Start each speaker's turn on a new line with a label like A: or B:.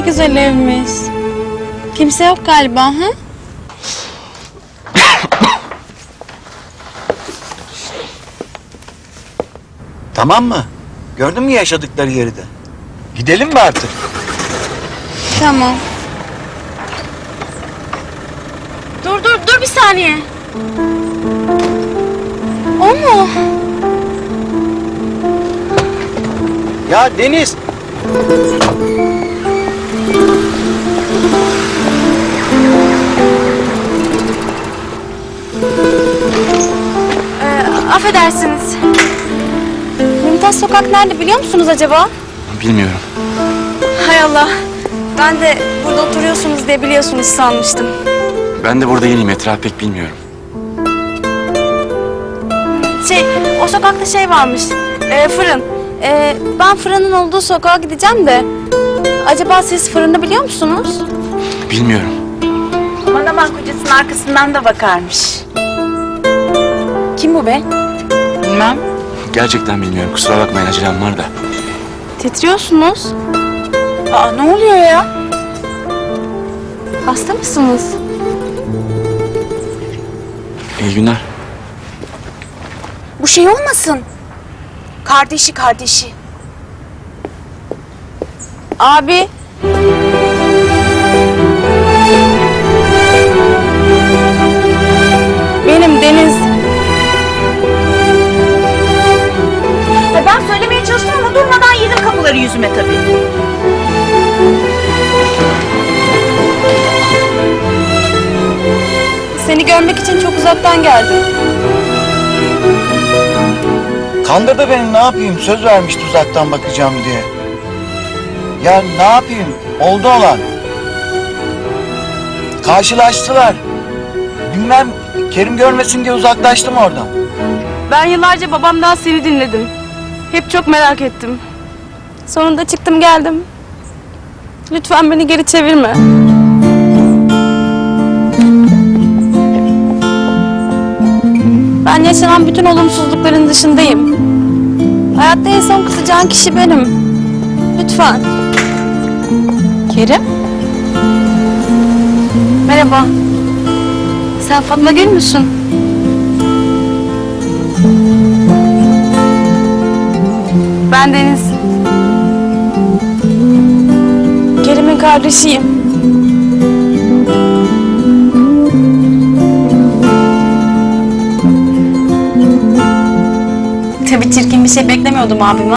A: güzel evmiş. Kimse yok galiba, ha?
B: Tamam mı? Gördün mü yaşadıkları yeri de? Gidelim mi artık?
A: Tamam. Dur bir saniye. O mu?
B: Ya Deniz!
A: Affedersiniz. Mümtaz Sokak nerede biliyor musunuz acaba?
C: Bilmiyorum.
A: Hay Allah. Ben de burada oturuyorsunuz diye biliyorsunuz sanmıştım.
C: Ben de burada yeniyim. Etrafı pek bilmiyorum.
A: O sokakta şey varmış. Fırın. Ben fırının olduğu sokağa gideceğim de. Acaba siz fırını biliyor musunuz?
C: Bilmiyorum.
D: Manaman kocasının arkasından da bakarmış. Kim bu be?
A: Bilmem.
C: Gerçekten bilmiyorum. Kusura bakmayın, acelem var da.
A: Titriyorsunuz.
D: Aa, ne oluyor ya?
A: Hasta mısınız?
C: İyi günler.
D: Bu şey olmasın. Kardeşi.
A: Abi. Benim Deniz.
D: Ben söylemeye çalıştım ama durmadan yedim kapıları yüzüme tabii.
A: Seni görmek için çok uzaktan geldim.
B: Kandırdı beni, ne yapayım? Söz vermişti uzaktan bakacağım diye. Ya ne yapayım? Oldu olan. Karşılaştılar. Bilmem, Kerim görmesin diye uzaklaştım oradan.
A: Ben yıllarca babamdan seni dinledim. Hep çok merak ettim. Sonunda çıktım geldim. Lütfen beni geri çevirme. Ben yaşanan bütün olumsuzlukların dışındayım. Hayatta en son kızacağın kişi benim. Lütfen. Kerim? Merhaba. Sen Fatma Gül müsün? Ben Deniz. Kerim'in kardeşiyim. Tabii çirkin bir şey beklemiyordum abime.